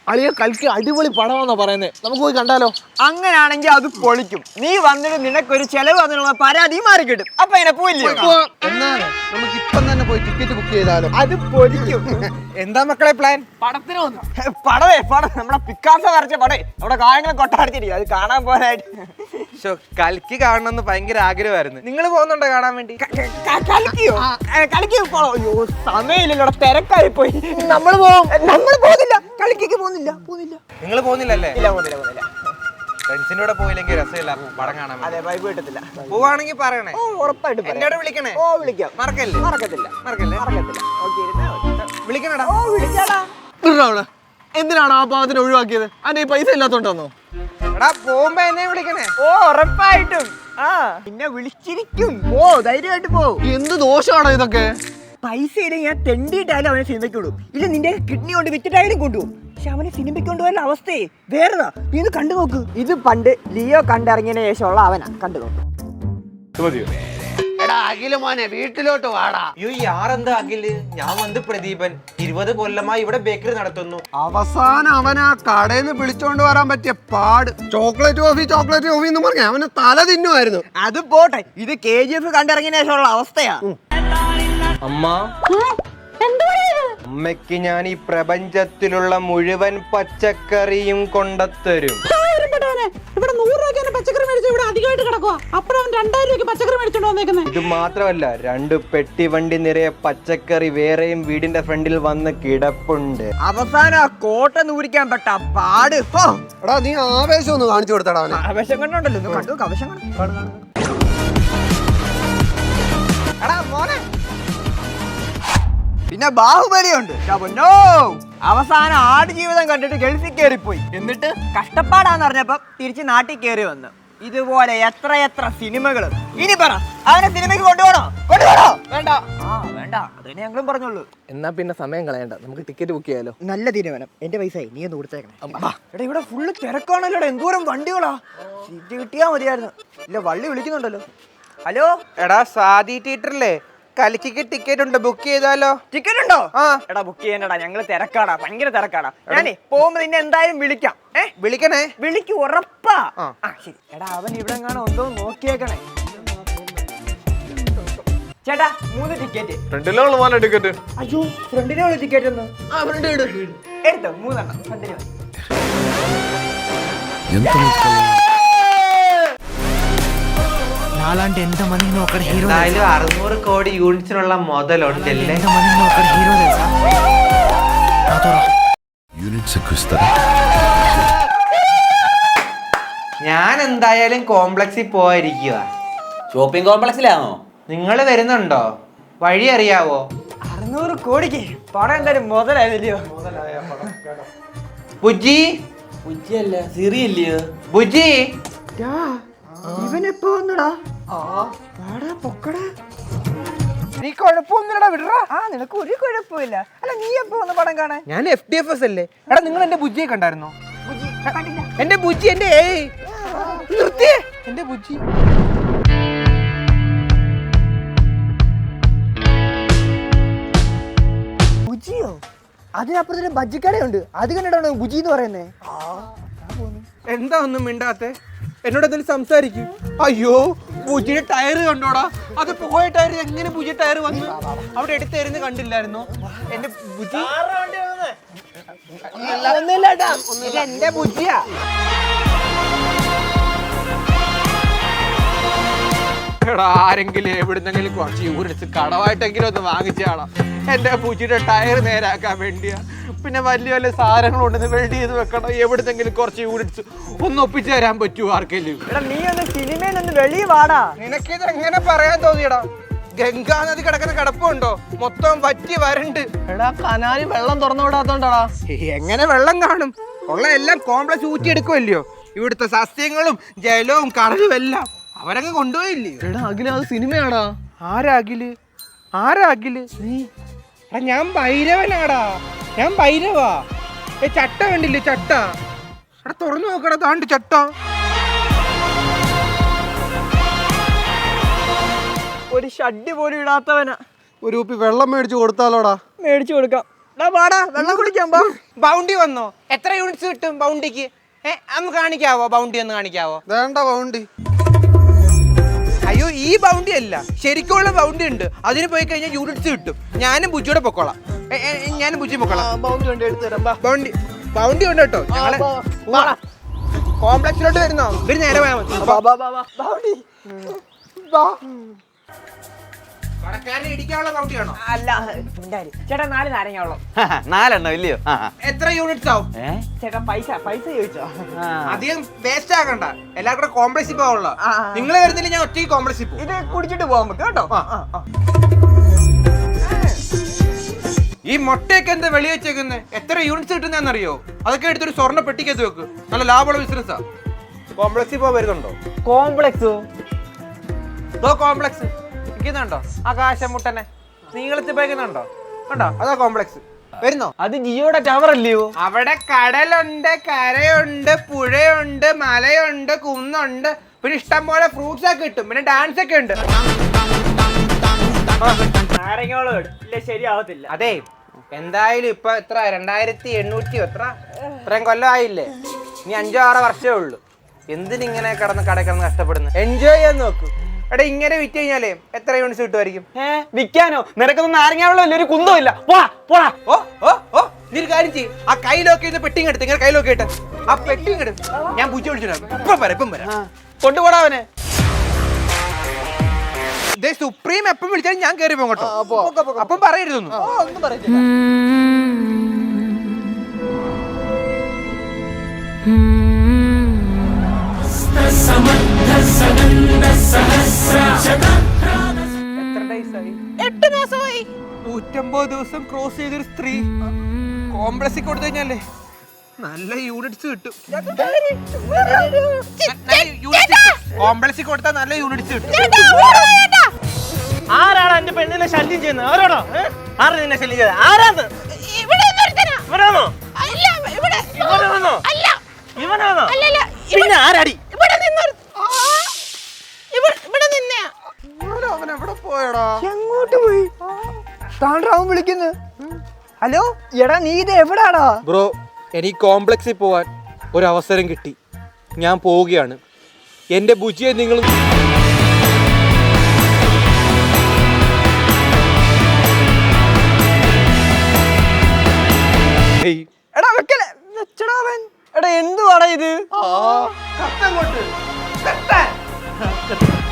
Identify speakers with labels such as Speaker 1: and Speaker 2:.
Speaker 1: അളിയ കൽക്കി അടിപൊളി പടമാണെന്നാ പറയുന്നത്. നമുക്ക് പോയി കണ്ടാലോ?
Speaker 2: അങ്ങനെയാണെങ്കിൽ അത് പൊളിക്കും. നീ വന്നിട്ട് നിനക്കൊരു ചെലവ് അതിനുള്ള പരാതി മാറി കിട്ടും. അപ്പൊ എന്നെ പോയില്ലേ?
Speaker 1: എന്നാണ് നമുക്ക് ഇപ്പം തന്നെ പോയി ടിക്കറ്റ് ബുക്ക് ചെയ്താലോ?
Speaker 2: അത് പൊളിക്കും.
Speaker 3: എന്താ മക്കളെ പ്ലാൻ?
Speaker 1: പടത്തിന് വന്നു.
Speaker 2: പടം നമ്മുടെ പിക്കാസോ വരച്ച പടേ നമ്മുടെ കായങ്ങളും കൊട്ടാടിച്ചിരിക്കും. അത് കാണാൻ പോരായിട്ട്
Speaker 3: കൽക്കി കാണണമെന്ന് ഭയങ്കര ആഗ്രഹമായിരുന്നു. നിങ്ങൾ പോകുന്നുണ്ടോ കാണാൻ വേണ്ടി?
Speaker 2: കളിക്കോ? അയ്യോ സമയമില്ലല്ലോ, തിരക്കായി പോയി. നമ്മൾ പോകുന്നില്ല. കളിക്കേക്ക് പോകുന്നില്ല.
Speaker 3: നിങ്ങൾ പോകുന്നില്ലല്ലേ?
Speaker 2: ഇല്ല, പോകുന്നില്ല.
Speaker 3: ഫ്രണ്ട്സിന്റെ കൂടെ പോയില്ലെങ്കിൽ രസമില്ല പടം കാണാൻ.
Speaker 2: അതെ, വൈബ് കിട്ടത്തില്ല.
Speaker 3: പോവാണെങ്കിൽ പറയണേ.
Speaker 2: ഉറപ്പായിട്ടും
Speaker 3: എന്നോട് വിളിക്കണേ.
Speaker 2: വിളിക്കാം.
Speaker 3: മറക്കല്ലേ? വിളിക്കണടാ.
Speaker 2: വിളിക്കാടാ.
Speaker 1: എന്തിനാണ് ആ പാവത്തിന് ഒഴിവാക്കിയത്? അതിന് ഈ പൈസ ഇല്ലാത്തോണ്ടാന്നോ?
Speaker 3: എടാ പോകുമ്പോ എന്നെ വിളിക്കണേ.
Speaker 2: ഉറപ്പായിട്ടും. പിന്നെ വിളിച്ചിരിക്കും. ധൈര്യമായിട്ട് പോ.
Speaker 1: എന്ത് ദോഷമാണോ ഇതൊക്കെ?
Speaker 2: പൈസ ഇല്ലെങ്കിൽ ഞാൻ തെണ്ടിയിട്ടായാലും അവനെ സിനിമയ്ക്ക് വിടും. ഇല്ല, നിന്റെ കിഡ്നി കൊണ്ട് വിറ്റിട്ടായാലും കൊണ്ടുപോകും. പക്ഷെ അവനെ സിനിമയ്ക്ക് കൊണ്ടുപോയ അവസ്ഥയെ വേറെതാ. നീ ഇത് കണ്ടു നോക്ക്. ഇത് പണ്ട് ലിയോ കണ്ടിറങ്ങിയതിന് ശേഷമുള്ള അവനാ. കണ്ടു നോക്ക്.
Speaker 1: എടാ അഖില് മോനെ, വീട്ടിലോട്ട് വാടാ.
Speaker 3: അയ്യോ യാറെന്താ അഖില്? ഞാൻ വന്ന് പ്രദീപൻ 20 കൊല്ലമായി ഇവിടെ ബേക്കറി നടത്തുന്നു.
Speaker 1: അവസാനം അവൻ ആ കടയിൽ നിന്ന് വിളിച്ചോണ്ട് വരാൻ പറ്റിയ പാട്. ചോക്ലേറ്റ് കോഫി എന്ന് പറഞ്ഞ അവന് തല തിന്നുമായിരുന്നു.
Speaker 2: അത് പോട്ടെ, ഇത് KGF കണ്ടിറങ്ങിയതിന് ശേഷമുള്ള അവസ്ഥയാ.
Speaker 3: അമ്മ, അമ്മയ്ക്ക് ഞാൻ ഈ പ്രപഞ്ചത്തിലുള്ള മുഴുവൻ പച്ചക്കറിയും കൊണ്ടത്തരും.
Speaker 4: ഇവിടെ 100 രൂപയ്ക്ക് പച്ചക്കറി മേടിച്ചു. ഇവിടെ അധികമായിട്ട് കിടക്കുക. അപ്പോഴവൻ 2000 രൂപയ്ക്ക് പച്ചക്കറി മേടിച്ചോണ്ട് വന്നേക്കുന്നത്.
Speaker 3: ഇത് മാത്രമല്ല, 2 പെട്ടി വണ്ടി നിറയെ പച്ചക്കറി വേറെയും വീടിന്റെ ഫ്രണ്ടിൽ വന്ന് കിടപ്പുണ്ട്.
Speaker 2: അവസാനം ആ കോട്ട നൂരിക്കാൻ പെട്ട പാട്.
Speaker 1: എടാ നീ ആവേശം ഒന്ന് കാണിച്ചു കൊടുത്തടാ അവനെ.
Speaker 2: ആവേശം കണ്ടോണ്ടല്ലോ. കണ്ടു ആവേശം കണ്ടു. എടാ മോനെ, പിന്നെ ബാഹുബലിയുണ്ട്. അവസാനം ആടുജീവിതം കണ്ടിട്ട് ഗൾഫിൽ കയറിപ്പോയി. എന്നിട്ട് കഷ്ടപ്പാടാന്ന് പറഞ്ഞപ്പോ തിരിച്ച് നാട്ടിൽ കയറി വന്നു. ഇതുപോലെ എത്ര സിനിമകള്. ഇനി പറ, അവനെ സിനിമയ്ക്ക് കൊണ്ടുപോകണോ?
Speaker 1: വേണ്ട.
Speaker 2: വേണ്ട, അതിനെ ഞങ്ങളും പറഞ്ഞോളൂ.
Speaker 1: എന്നാ പിന്നെ സമയം കളയണ്ട, നമുക്ക് ടിക്കറ്റ് ബുക്ക് ചെയ്യാലോ?
Speaker 2: നല്ല തീരുമാനം. എന്റെ പൈസ നീ ഒന്ന് കൊടുത്തേക്കണേ. എടാ ഇവിടെ ഫുള്ള് തിരക്കാണല്ലോ. എന്തോരം വണ്ടികളാ. സീറ്റ് കിട്ടിയാ മതിയായിരുന്നു. ഇല്ല, വള്ളി വിളിക്കുന്നുണ്ടല്ലോ. ഹലോ
Speaker 3: എടാ, സാദി തിയേറ്ററിലെ കലിക്ക് ടിക്കറ്റ് ഉണ്ട്, ബുക്ക് ചെയ്താലോ?
Speaker 2: ടിക്കറ്റ് ഉണ്ടോ? എടാ ബുക്ക് ചെയ്യണ്ടടാ, ഞങ്ങള് തിരക്കാടാ, ഭയങ്കര തിരക്കാടാ. ഞാനേ പോകുമ്പോ നിന്നെ എന്തായാലും വിളിക്കാം.
Speaker 3: വിളിക്കണേ.
Speaker 2: വിളിക്കും, ഉറപ്പാ. ശരി. എടാ അവൻ ഇവിടെ കാണാൻ ഉണ്ടോ നോക്കിയേക്കണേ. ചേട്ടാ 3 ടിക്കറ്റ്.
Speaker 1: ഫ്രണ്ടിലുള്ള പോലെ ടിക്കറ്റ്.
Speaker 2: അയ്യോ, ഫ്രണ്ടിനുള്ള ടിക്കറ്റ് ഒന്ന് എടുത്തോ. 3 എണ്ണം ഫ്രണ്ടിന്.
Speaker 3: എന്തായാലും 600 കോടി യൂണിറ്റ്സിനുള്ള മുതലുണ്ടല്ലേ? ഞാൻ എന്തായാലും കോംപ്ലക്സിൽ പോയിരിക്കുക.
Speaker 5: ഷോപ്പിംഗ് കോംപ്ലക്സിലാണോ?
Speaker 3: നിങ്ങൾ വരുന്നുണ്ടോ? വഴി അറിയാവോ?
Speaker 2: 600 കോടിക്ക് പടം എന്തായാലും മുതലായല്ലോ.
Speaker 3: ബുജി,
Speaker 5: ഉച്ചയല്ല സിറിയല്ലയോ?
Speaker 3: ബുജി,
Speaker 2: ഇവനെപ്പോ വന്നടാ? പൊക്കടാ.
Speaker 3: നീ കുഴപ്പമൊന്നുമില്ലടാ, വിടറാ.
Speaker 2: നിനക്ക് ഒരു കുഴപ്പമില്ല. അല്ല, നീ എപ്പോ വന്ന് പടം കാണാൻ?
Speaker 3: ഞാൻ FDFS അല്ലേ. എടാ, നിങ്ങൾ എന്റെ ബുജിയെ കണ്ടായിരുന്നോ? എന്റെ ബുജി, എന്റെ നിർത്തിയേ, എന്റെ ബുജി.
Speaker 2: ബുജിയോ? അതിനപ്പുറത്തൊരു ബജ്ജിക്കടയുണ്ട്. അത് കണ്ടിട്ടാണ് ബുജി എന്ന് പറയുന്നേ.
Speaker 3: എന്താ ഒന്നും മിണ്ടാത്തെ? എന്നോട് എന്തെങ്കിലും സംസാരിക്കും. അയ്യോ, ബുജിയുടെ ടയർ കണ്ടോടാ. അത് പോയ ടയർ എങ്ങനെ ബുജി ടയർ വന്നു? അവിടെ എടുത്തായിരുന്നു, കണ്ടില്ലായിരുന്നോ? എന്റെ ബുജി എന്റെ ബുജിയാ. എടാ, ആരെങ്കിലും എവിടുന്നെങ്കിലും കുറച്ച് യൂണിറ്റ്സ് കടവായിട്ടെങ്കിലും ഒന്ന് വാങ്ങിച്ചാടാ. എന്റെ ബുജിയുടെ ടയർ നേരാക്കാൻ വേണ്ടിയാ. പിന്നെ വലിയ സാധനങ്ങളുണ്ടെന്ന് വെൽഡ് ചെയ്ത് വെക്കണം. എവിടുന്നെങ്കിലും കുറച്ച് യൂണിറ്റ്സ് ഒന്ന് ഒപ്പിച്ചു തരാൻ പറ്റുമോ ആർക്കെങ്കിലും?
Speaker 2: നീ ഒന്ന് സിനിമയിൽ നിന്ന് വെളിയിൽ വാടാ.
Speaker 3: നിനക്കിത് എങ്ങനെ പറയാൻ തോന്നിയടാ? ഗംഗാ നദി കിടക്കുന്ന കിടപ്പുണ്ടോ? മൊത്തം വറ്റി വരണ്ട്.
Speaker 1: എടാ കനാലി വെള്ളം തുറന്നു വിടാത്തോണ്ടാടാ.
Speaker 3: എങ്ങനെ വെള്ളം കാണും? ഉള്ള എല്ലാം കോംപ്ലക്സ് ഊറ്റിയെടുക്കുമല്ലയോ. ഇവിടുത്തെ സസ്യങ്ങളും ജലവും കടലും എല്ലാം അവരങ്ങ് കൊണ്ടുപോയില്ലേ.
Speaker 1: എടാ അഖില, അത് സിനിമയാടാ.
Speaker 3: ആരാ അഖില്? നീ? എടാ, ഞാൻ ഭൈരവനാടാ. ഞാൻ ഭൈരവാ. ചട്ട കണ്ടില്ലേ? ചട്ട. എടാ തുറന്നു നോക്കടാ, താണ്ട് ചട്ട.
Speaker 2: ഒരു ഷഡ്ഡി പോലും ഇടാത്തവനാ.
Speaker 1: ഒരു കുപ്പി വെള്ളം മേടിച്ചു കൊടുത്താലോടാ.
Speaker 2: മേടിച്ചു കൊടുക്കാം. വാടാ വെള്ളം കുടിക്കാൻ പോ.
Speaker 3: ബൗണ്ടി വന്നോ? എത്ര യൂണിറ്റ്സ് കിട്ടും ബൗണ്ടിക്ക്? ഒന്ന് കാണിക്കാവോ? ബൗണ്ടി ഒന്ന് കാണിക്കാവോ?
Speaker 1: വേണ്ട ബൗണ്ടി.
Speaker 3: അയ്യോ ഈ ബൗണ്ടി അല്ല, ശരിക്കുള്ള ബൗണ്ടി ഉണ്ട്. അതിന് പോയി കഴിഞ്ഞാൽ യൂണിറ്റ്സ് കിട്ടും. ഞാനും ബുജിയോടെ പൊക്കോളാം. ഞാനും ബുജി പൊക്കോളാം.
Speaker 2: ബൗണ്ടി കൊണ്ട് എടുത്തു തരാം.
Speaker 3: ബൗണ്ടി ബൗണ്ടി ഉണ്ട് കേട്ടോ. ഞങ്ങള് കോംപ്ലക്സിലോട്ട് വരുന്നോ? ഇവര് നേരെ പോയാൽ മതി.
Speaker 2: ബൗണ്ടി
Speaker 3: കടക്കാരനെ ഇടിക്കാനുള്ള ബൗണ്ടിയാണോ?
Speaker 2: അല്ല ഉണ്ടായി. ചേട്ടാ 4 നാരങ്ങ.
Speaker 5: 4 എണ്ണം ഇല്ലയോ?
Speaker 3: എത്ര യൂണിറ്റ്സ് ആവും?
Speaker 2: ചേട്ടാ പൈസ ചോദിച്ചോ?
Speaker 3: അധികം വേസ്റ്റ് ആക്കണ്ട. എല്ലാവർക്കും കോംപ്ലക്സിൽ പോകാനുള്ള. നിങ്ങൾ വരുന്നില്ല, ഞാൻ ഒറ്റയ്ക്ക് കോംപ്ലക്സിൽ പോകും.
Speaker 2: ഇത് കുടിച്ചിട്ട് പോകാൻ പറ്റും കേട്ടോ.
Speaker 3: ഈ മുട്ടയൊക്കെ എന്താ വെളി വെച്ചേക്കുന്നത്? എത്ര യൂണിറ്റ്സ് കിട്ടുന്നറിയോ? അതൊക്കെ എടുത്തൊരു സ്വർണ്ണ പെട്ടിക്കകത്ത് വെക്ക്. നല്ല ലാഭമുള്ള ബിസിനസ്സാ. കോംപ്ലക്സിൽ പോകാൻ വരുന്നുണ്ടോ?
Speaker 2: കോംപ്ലക്സോ?
Speaker 3: കോംപ്ലക്സ് ഇരിക്കുന്നുണ്ടോ? ആകാശമുട്ടനെ നീളത്തിൽ പോയിക്കുന്നുണ്ടോ? കണ്ടോ? അതാ കോംപ്ലക്സ്. വരുന്നോ?
Speaker 2: അത് ജിയോടെ ടവർ അല്ലയോ?
Speaker 3: അവിടെ കടലുണ്ട്, കരയുണ്ട്, പുഴയുണ്ട്, മലയുണ്ട്, കുന്നുണ്ട്. പിന്നെ ഇഷ്ടം പോലെ ഫ്രൂട്ട്സ് ഒക്കെ കിട്ടും. പിന്നെ ഡാൻസ് ഒക്കെ ഉണ്ട്.
Speaker 2: നാരങ്ങോളം ഇല്ല, ശരിയാവത്തില്ല.
Speaker 3: അതെ, എന്തായാലും ഇപ്പൊ എത്ര 2800 ഇത്രയും കൊല്ലമായില്ലേ? ഇനി 5-6 വർഷമേ ഉള്ളൂ. എന്തിനിങ്ങനെ കടന്ന് കഷ്ടപ്പെടുന്നു? എൻജോയ് ചെയ്യാൻ നോക്കൂ. എടാ ഇങ്ങനെ വിറ്റ് കഴിഞ്ഞാലേ എത്ര യൂണിറ്റ്സ് കിട്ടുമായിരിക്കും?
Speaker 2: വിൽക്കാനോ? നിനക്കൊന്നും നാരങ്ങ വെള്ളം ഒരു കുന്തവും ഇല്ല. പോടാ.
Speaker 3: നീ ഒരു കാര്യം ചെയ്യും, ആ കയ്യിലൊക്കെ ഇത് പെട്ടിങ് എടുത്ത് ഇങ്ങനെ കയ്യിലൊക്കെ ഇട്ട് ആ പെട്ടിങ് എടുത്ത് ഞാൻ പൂച്ച വിളിച്ചിട്ടുണ്ടാകും. ഇപ്പം വരാം.
Speaker 2: കൊണ്ടുപോടാ അവനെ.
Speaker 3: ഇതേ സുപ്രീം എപ്പം വിളിച്ചാലും ഞാൻ കയറി പോകും കേട്ടോ. അപ്പം പറയരുതൊന്നും.
Speaker 2: ഒന്നും പറയത്തില്ല.
Speaker 3: എത്ര ഡേയ്സ് ആയി?
Speaker 4: 8 മാസമായി.
Speaker 3: 150 ദിവസം ക്രോസ് ചെയ്തൊരു സ്ത്രീ കോംപ്ലക്സിൽ കൊടുത്തു കഴിഞ്ഞാലേ നല്ല യൂണിറ്റ്സ് കിട്ടും. കോംപ്ലക്സിൽ കൊടുത്താൽ നല്ല യൂണിറ്റ്സ് കിട്ടും.
Speaker 2: ആരാണ് എന്റെ പെണ്ണിനെ ശല്യം ചെയ്യുന്നത്? ആരാണോ? ആരാ നിന്നെ ശല്യം ചെയ്തത്? ആരാന്ന്? ഇവനാണോ? ഇവനാണോ? പിന്നെ ആരാടി?
Speaker 1: അവൻ എവിടെ പോയടാ?
Speaker 2: എങ്ങോട്ട് പോയി? താണ്ടാവും വിളിക്കുന്നു. ഹലോ എടാ, നീ ഇത് എവിടാടാ?
Speaker 3: ബ്രോ, എനിക്ക് കോംപ്ലക്സിൽ പോവാൻ ഒരു അവസരം കിട്ടി. ഞാൻ പോവുകയാണ്. എൻ്റെ ബുജിയെ നിങ്ങൾ
Speaker 2: എടാ വെക്കല്ലേ, വെച്ചടാ അവൻ. എടാ എന്തുവാടാ ഇത്?
Speaker 3: കത്തങ്ങോട്ട്